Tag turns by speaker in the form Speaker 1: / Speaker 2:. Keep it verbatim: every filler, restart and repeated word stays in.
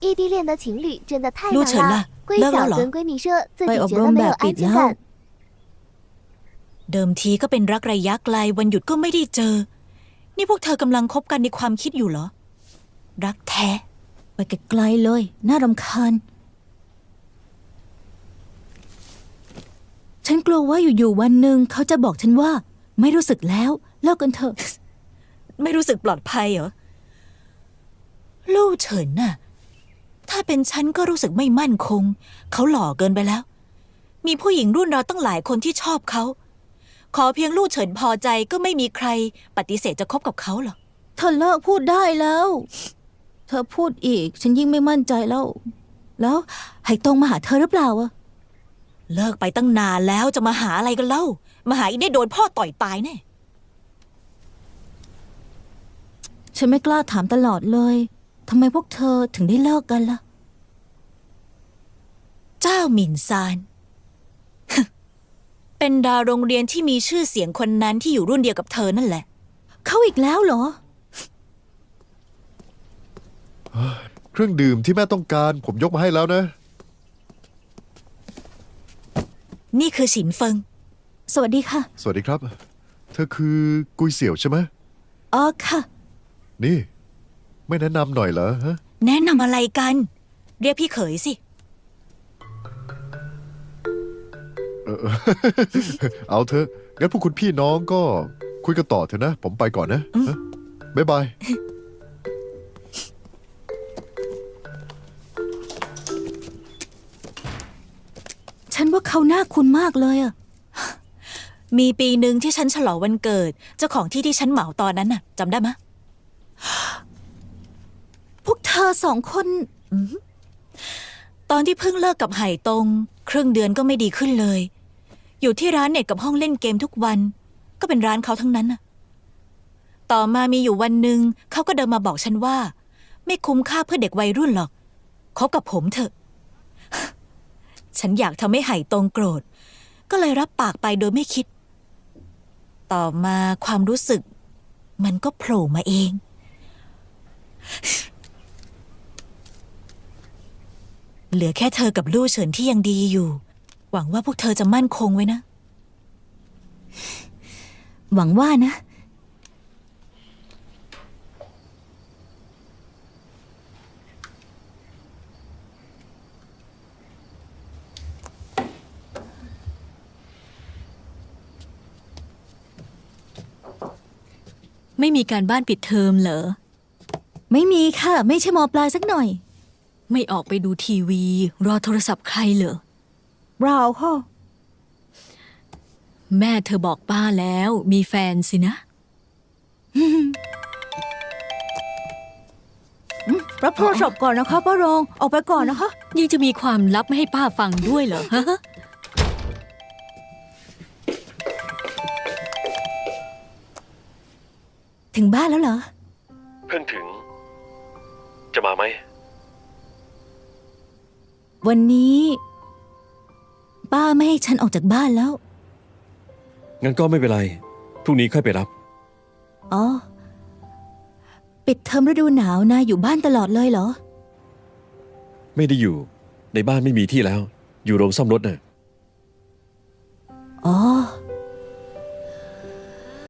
Speaker 1: 异地恋的情侣真的太
Speaker 2: 陆
Speaker 1: 难
Speaker 2: 晨ล่ะ
Speaker 1: 了。闺
Speaker 2: เลิกแล้ว
Speaker 1: 小
Speaker 2: เหรอ
Speaker 1: 跟闺蜜说自己
Speaker 3: ไปอบ
Speaker 1: 觉
Speaker 3: ร
Speaker 1: 得
Speaker 3: ม
Speaker 1: 没
Speaker 3: แบ
Speaker 1: 有
Speaker 3: บปิ
Speaker 1: 安
Speaker 3: ด
Speaker 1: 全
Speaker 3: แล้ว
Speaker 1: 感。
Speaker 2: เดิมทีก็เป็นรักระยะไกลวันหยุดก็ไม่ได้เจอ นี่พวกเธอกำลังคบกันในความคิดอยู่เหรอ รักแท้
Speaker 3: ไปไกลๆเลย น่ารำคาญ ฉันกลัวว่าอยู่ๆวันหนึ่งเขาจะบอกฉันว่า ไม่รู้สึกแล้วเลิกกันเถอะ
Speaker 2: ไม่รู้สึกปลอดภัยเหรอ ลู่เฉินน่ะ ถ้าเป็นฉันก็รู้สึกไม่มั่นคง เขาหล่อเกินไปแล้ว มีผู้หญิงรุ่นเราตั้งหลายคนที่ชอบเขา ขอเพียงลู่เฉินพอใจก็ไม่มีใครปฏิเสธจะคบกับเขาหรอก
Speaker 3: เธอเลิกพูดได้แล้ว เธอพูดอีก ฉันยิ่งไม่มั่นใจแล้ว แล้วไหตรงมาหาเธอหรือเปล่าอะ
Speaker 2: เลิกไปตั้งนานแล้วจะมาหาอะไรกันเล่า มาหาอีได้โดนพ่อต่อยตายแน่
Speaker 3: ฉันไม่กล้าถามตลอดเลยทำไมพวกเธอถึงได้เลิกกันล่ะ
Speaker 2: เจ้าหมิ่นซาน เป็นดาวโรงเรียนที่มีชื่อเสียงคนนั้นที่อยู่รุ่นเดียวกับเธอนั่นแหละ
Speaker 3: เขาอีกแล้วเหรอ
Speaker 4: เครื่องดื่มที่แม่ต้องการผมยกมาให้แล้วนะ
Speaker 2: นี่คือฉินเฟิง
Speaker 3: สวัสดีค่ะ
Speaker 4: สวัสดีครับ เธอคือกุยเสี่ยวใช่ไหม
Speaker 3: อ๋อค่ะ
Speaker 4: นี่ ไม่แนะนำหน่อยเหรอฮะ
Speaker 2: แนะนำอะไรกัน เรียกพี่เขยสิ
Speaker 4: เอาเถอะงั้นพวกคุณพี่น้องก็คุยกันต่อเถอะนะ ผมไปก่อนนะฮะบ๊ายบาย
Speaker 3: ฉันว่าเขาหน้าคุ้นมากเลยอะ
Speaker 2: มีปีหนึ่งที่ฉันฉลองวันเกิด เจ้าของที่ที่ฉันเหมาตอนนั้นน่ะจำได้ไหมะ
Speaker 3: พวกเธอสองคน
Speaker 2: ตอนที่เพิ่งเลิกกับไห่ตงครึ่งเดือนก็ไม่ดีขึ้นเลย อยู่ที่ร้านเน็ตกับห้องเล่นเกมทุกวัน ก็เป็นร้านเขาทั้งนั้นน่ะ ต่อมามีอยู่วันหนึ่งเขาก็เดินมาบอกฉันว่า ไม่คุ้มค่าเพื่อเด็กวัยรุ่นหรอกคบกับผมเถอะ ฉันอยากทำให้ไห่ตงโกรธ ก็เลยรับปากไปโดยไม่คิด ต่อมาความรู้สึก มันก็โผล่มาเอง เหลือแค่เธอกับลู่เฉินที่ยังดีอยู่ หวังว่าพวกเธอจะมั่นคงไว้นะ
Speaker 3: หวังว่านะ
Speaker 5: ไม่มีการบ้านปิดเทอมเหรอ
Speaker 3: ไม่มีค่ะ ไม่ใช่มอปลายสักหน่อย
Speaker 5: ไม่ออกไปดูทีวี รอโทรศัพท์ใครเหรอ
Speaker 3: เปล่าค่ะ
Speaker 5: แม่เธอบอกป้าแล้วมีแฟนสินะ
Speaker 3: รับโทรศัพท์ก่อนนะคะป้ารอง ออกไปก่อนนะคะ
Speaker 5: ยังจะมีความลับไม่ให้ป้าฟังด้วยเหรอฮะ
Speaker 3: ถึงบ้านแล้วเหรอ
Speaker 6: เพิ่งถึง จะมาไหม
Speaker 3: วันนี้ ป้าไม่ให้ฉันออกจากบ้านแล้ว
Speaker 6: งั้นก็ไม่เป็นไร พรุ่งนี้ค่อยไปรับ
Speaker 3: อ๋อ ปิดเทอมฤดูหนาวนายอยู่บ้านตลอดเลยเหรอ
Speaker 6: ไม่ได้อยู่ ในบ้านไม่มีที่แล้ว อยู่โรงซ่อมรถน่ะ
Speaker 3: อ๋อ